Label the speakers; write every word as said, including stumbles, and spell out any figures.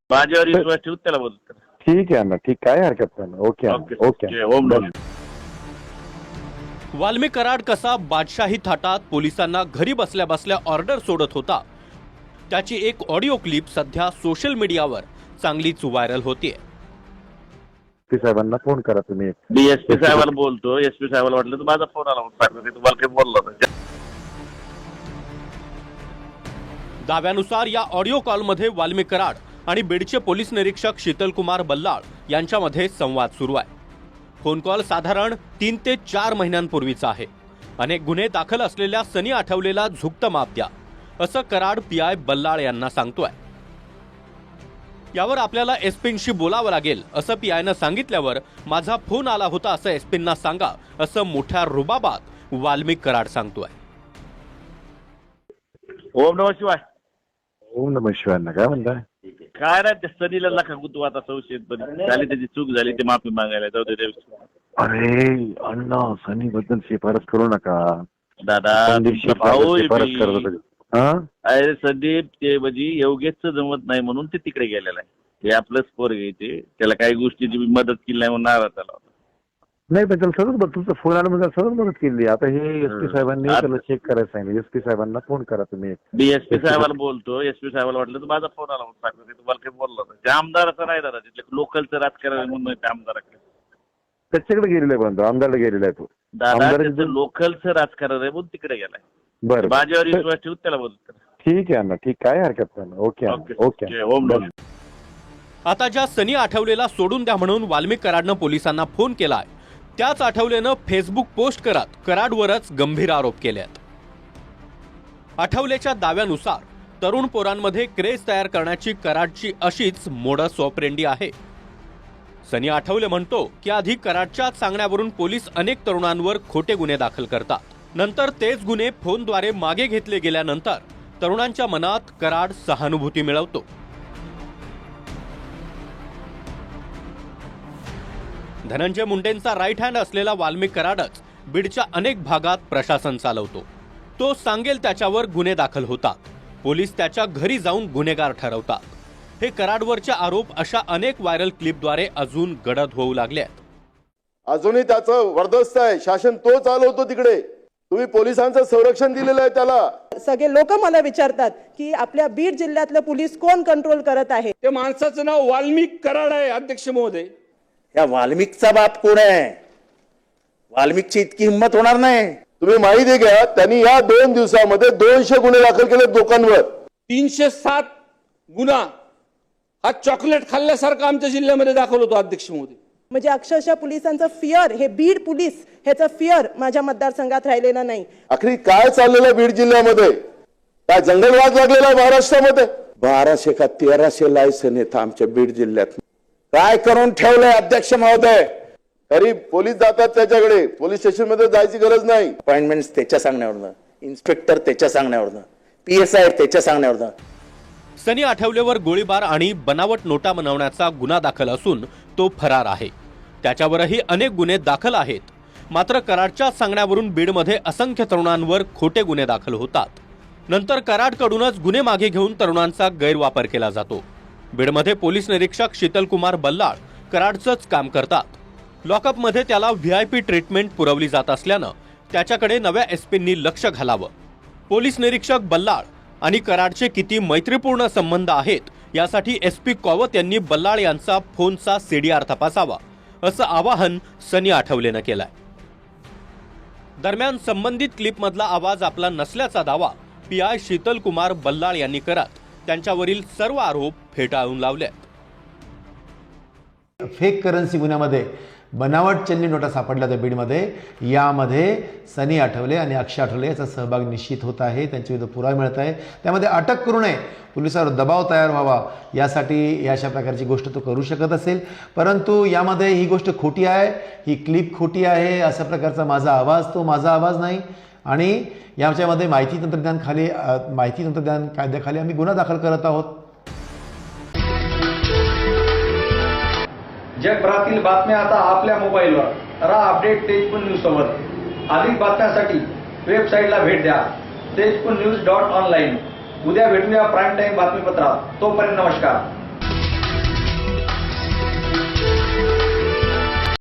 Speaker 1: माझ्यावर विश्वास ठेवून त्याला बोलतो.
Speaker 2: ठीक आहे ना, ठीक, काय हरकत नाही. Okay okay.
Speaker 1: ओम नमः.
Speaker 3: वाल्मी कराड कसा बादशाही थाटात पोलिसांना घरी बसल्या बसल्या ऑर्डर सोडत होता, त्याची एक ऑडिओ क्लिप सध्या सोशल मीडियावर चांगलीच व्हायरल होतीये.
Speaker 2: एसपी साहेबांना फोन करा तुम्ही.
Speaker 1: डीएसपी साहेबाला बोलतो. एसपी साहेबाला वाटलं तर माझा फोन आला म्हणून सांगतो, तुम्हाला काही बोललो होता.
Speaker 3: दाव्यानुसार या ऑडिओ कॉलमध्ये वाल्मी कराड आणि बीडचे पोलीस निरीक्षक शीतलकुमार बल्लाळ यांच्यामध्ये संवाद सुरू आहे. फोन कॉल साधारण तीन ते चार महिन्यांपूर्वीचा आहे. अनेक गुन्हे दाखल असलेल्या सनी आठवलेला झुकतं माप द्या, असं कराड पी आय बल्लाळ यांना सांगतोय. यावर आपल्याला एसपींशी बोलावं लागेल असं पी आयनं सांगितल्यावर माझा फोन आला होता असं एसपींना सांगा, असं मोठ्या रुबाबात वाल्मी कराड सांगतोय.
Speaker 1: ओम नमः शिवाय.
Speaker 2: ओम नमः शिवाय. काय म्हणताय?
Speaker 1: काय नाही, त्या सनीला नका गुतू आता. संशयित पण झाली, त्याची चूक झाली, ते माफी मागायला जाऊ दे.
Speaker 2: अरे अण्णा, सनी बद्दल शिफारस करू नका
Speaker 1: दादा.
Speaker 2: भाऊ शिफारस करत होते.
Speaker 1: अरे संदीप, ते म्हणजे योगेशचं जमत नाही म्हणून ते तिकडे गेलेलं आहे. ते आपलंच पोर घ्यायचे, त्याला काही गोष्टीची मदत केली नाही म्हणून नाराज झाला होता.
Speaker 2: नाही पण त्याला सगळं बघ, तुमचा फोन आला म्हणजे सगळं मदत केली. आता हे एसपी साहेबांनी त्याला चेक करायला सांगितलं. एसपी साहेबांना फोन करा तुम्ही.
Speaker 1: डीएसपी साहेबाला बोलतो. एसपी साहेबाला वाटलं तर माझा फोन आला म्हणून सांगतो, तुम्हाला काही बोललो होता. ते आमदाराचं नाही दादा, तिथले लोकलचं राजकारण म्हणून ते आमदाराकडे
Speaker 2: त्याच्याकडे गेलेला आहे, पण आमदारला गेलेला आहे तो.
Speaker 1: दादा त्याचं लोकलचं राजकारण आहे म्हणून तिकडे गेलाय.
Speaker 2: बरं,
Speaker 1: माझ्यावर विश्वास ठेवून त्याला बोलतो.
Speaker 2: ठीक आहे ना, ठीक, काय हरकत नाही. Okay okay.
Speaker 1: ओम नमः.
Speaker 3: आता ज्या सनी आठवलेला सोडून द्या म्हणून वाल्मी कराडनं पोलिसांना फोन केलाय, त्याच आठवलेनं फेसबुक पोस्ट करत कराडवरच गंभीर आरोप केलेत. आठवलेच्या दाव्यानुसार तरुण पोरांमध्ये क्रेज तयार करण्याची कराडची अशीच मोडस ऑपरेंडी आहे. सनी आठवले म्हणतो की आधी कराडच्या सांगण्यावरून पोलीस अनेक तरुणांवर खोटे गुन्हे दाखल करतात. नंतर तेच गुन्हे फोनद्वारे मागे घेतले गेल्यानंतर तरुणांच्या मनात कराड सहानुभूती मिळवतो. धनंजय मुंडेंचा राईट हँड असलेला वाल्मी कराडच बीडच्या अनेक भागात प्रशासन चालवतो. तो सांगेल त्याच्यावर गुन्हे दाखल होतात. पोलीस त्याच्या घरी जाऊन गुन्हेगार ठरवतात. हे कराडवरचे आरोप अशा अनेक व्हायरल क्लिपद्वारे अजून गडद होऊ लागले आहेत.
Speaker 4: अजूनही त्याचं वर्दस्त आहे. शासन तो चालवतो तिकडे. तुम्ही पोलिसांचं संरक्षण दिलेलं आहे त्याला.
Speaker 5: सगळे लोक मला विचारतात की आपल्या बीड जिल्ह्यातलं पोलीस कोण कंट्रोल करत आहे.
Speaker 6: ते माणसाचं नाव वाल्मी कराड आहे. अध्यक्ष महोदय,
Speaker 7: या वाल्मिकचा बाप कोण आहे? वाल्मिकची इतकी हिंमत होणार नाही.
Speaker 4: तुम्ही माहिती घ्या, त्यांनी या दोन दिवसामध्ये दोनशे गुन्हे दाखल केले लोकांवर.
Speaker 6: तीनशे सात गुन्हा हा चॉकलेट खाल्ल्यासारखा आमच्या जिल्ह्यामध्ये दाखल होतो. अध्यक्ष महोदय,
Speaker 5: म्हणजे अक्षरशः पोलिसांचं फिअर, हे बीड पोलीस ह्याचं फिअर माझ्या मतदारसंघात राहिलेलं नाही.
Speaker 4: आखरी काय चाललेलं बीड जिल्ह्यामध्ये? काय जंगलवाद लागलेला आहे महाराष्ट्रामध्ये?
Speaker 7: बाराशे का तेराशे लायसन आहेत आमच्या बीड जिल्ह्यात. काय करून ठेवलंय अध्यक्ष महोदय?
Speaker 4: तरी पोलीस जातात त्याच्याकडे. पोलीस स्टेशन मध्ये जायची गरज नाही.
Speaker 7: अपॉइंटमेंट त्याच्या सांगण्यावरनं, इन्स्पेक्टर त्याच्या सांगण्यावरनं, पी एस आय त्याच्या सांगण्यावरनं.
Speaker 3: सनी आठवलेवर गोळीबार आणि बनावट नोटा बनवण्याचा गुन्हा दाखल असून तो फरार आहे. त्याच्यावरही अनेक गुन्हे दाखल आहेत. मात्र कराडच्या सांगण्यावरून बीडमध्ये असंख्य तरुणांवर खोटे गुन्हे दाखल होतात. नंतर कराडकडूनच गुन्हे मागे घेऊन तरुणांचा गैरवापर केला जातो. बीडमध्ये पोलीस निरीक्षक शीतलकुमार बल्लाळ कराडचंच काम करतात. लॉकअपमध्ये त्याला व्ही आय पी ट्रीटमेंट पुरवली जात असल्यानं त्याच्याकडे नव्या एसपींनी लक्ष घालावं. पोलीस निरीक्षक बल्लाळ आणि कराडचे किती मैत्रीपूर्ण संबंध आहेत यासाठी एसपी कॉवत यांनी बल्लाळ यांचा फोनचा सीडीआर तपासावा, असं आवाहन सनी आठवलेनं केलंय. दरम्यान संबंधित क्लिपमधला आवाज आपला नसल्याचा दावा पी आय शीतलकुमार बल्लाळ यांनी करत त्यांच्यावरील सर्व आरोप फेटाळून लावले.
Speaker 8: फेक करन्सी गुन्ह्यामध्ये बनावट चलनी नोटा सापडल्या त्या बीडमध्ये. यामध्ये सनी आठवले आणि अक्षय आठवले याचा सहभाग निश्चित होत आहे. त्यांच्याविरुद्ध पुरावा मिळत आहे. त्यामध्ये अटक करू नये, पोलिसांवर दबाव तयार व्हावा यासाठी अशा प्रकारची गोष्ट तो करू शकत असेल. परंतु यामध्ये ही गोष्ट खोटी आहे, ही क्लिप खोटी आहे अशा प्रकारचा माझा आवाज तो माझा आवाज नाही. आणि याच्यामध्ये माहिती तंत्रज्ञान खाली माहिती तंत्रज्ञान कायद्याखाली आम्ही गुन्हा दाखल करत आहोत.
Speaker 9: जगभरातील बातम्या आता आपल्या मोबाईलवर. रहा अपडेट तेजपुर न्यूज सोबत. अधिक बातम्यांसाठी वेबसाईटला भेट द्या तेजपुर न्यूज डॉट ऑनलाईन. उद्या भेटूया प्राईम टाईम बातमीपत्रात. तोपर्यंत नमस्कार.